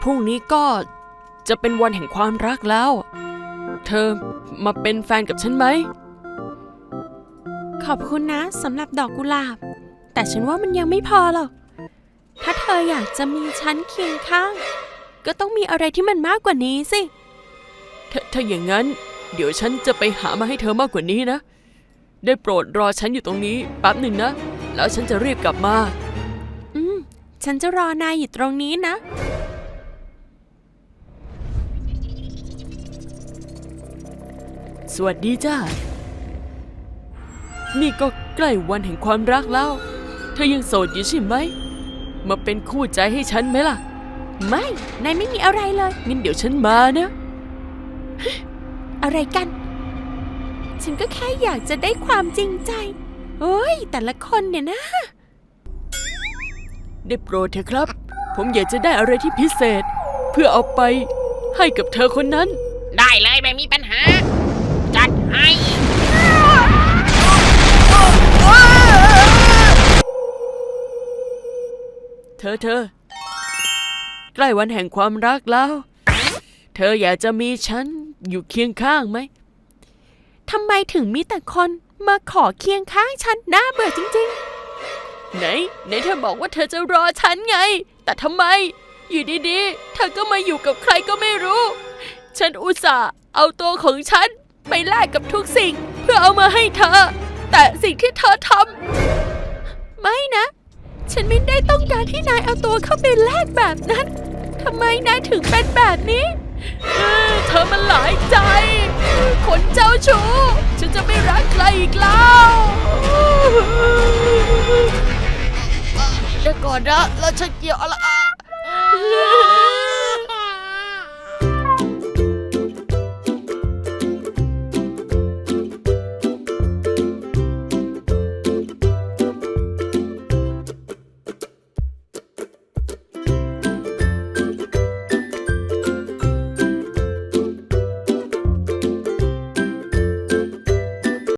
รุ่งนี้ก็จะเป็นวันแห่งความรักแล้วเธอมาเป็นแฟนกับฉันไหมขอบคุณนะสำหรับดอกกุหลาบแต่ฉันว่ามันยังไม่พอหรอกถ้าเธออยากจะมีฉันเคียงข้างก็ต้องมีอะไรที่มันมากกว่านี้สิถ้าอย่างนั้นเดี๋ยวฉันจะไปหามาให้เธอมากกว่านี้นะได้โปรดรอฉันอยู่ตรงนี้แป๊บหนึ่งนะแล้วฉันจะรีบกลับมาฉันจะรอนายอยู่ตรงนี้นะสวัสดีจ้านี่ก็ใกล้วันแห่งความรักแล้วเธอยังโสดอยู่ใช่ไหมมาเป็นคู่ใจให้ฉันไหมล่ะไม่นายไม่มีอะไรเลยงั้นเดี๋ยวฉันมานะอะไรกันฉันก็แค่อยากจะได้ความจริงใจโอ้ยแต่ละคนเนี่ยนะได้โปรดเถอะครับผมอยากจะได้อะไรที่พิเศษเพื่อเอาไปให้กับเธอคนนั้นได้เลยไม่มีปัญหาจัดให้เธอใกล้วันแห่งความรักแล้วเธออยากจะมีฉันอยู่เคียงข้างไหมทำไมถึงมีแต่คนมาขอเคียงข้างฉันน่าเบื่อจริงๆไหนเธอบอกว่าเธอจะรอฉันไงแต่ทำไมอยู่ดีๆเธอก็มาอยู่กับใครก็ไม่รู้ฉันอุตส่าห์เอาตัวของฉันไปแลกกับทุกสิ่งเพื่อเอามาให้เธอแต่สิ่งที่เธอทำไม่นะฉันไม่ได้ต้องการที่นายเอาตัวเข้าไปแลกแบบนั้นทำไมนายถึงเป็นแบบนี้เธอมันหลายใจคนเจ้าชู้ฉันจะไม่รักใครอีกแล้วเดี๋ยวก่อนนะแล้วฉันเกี่ยวอะไร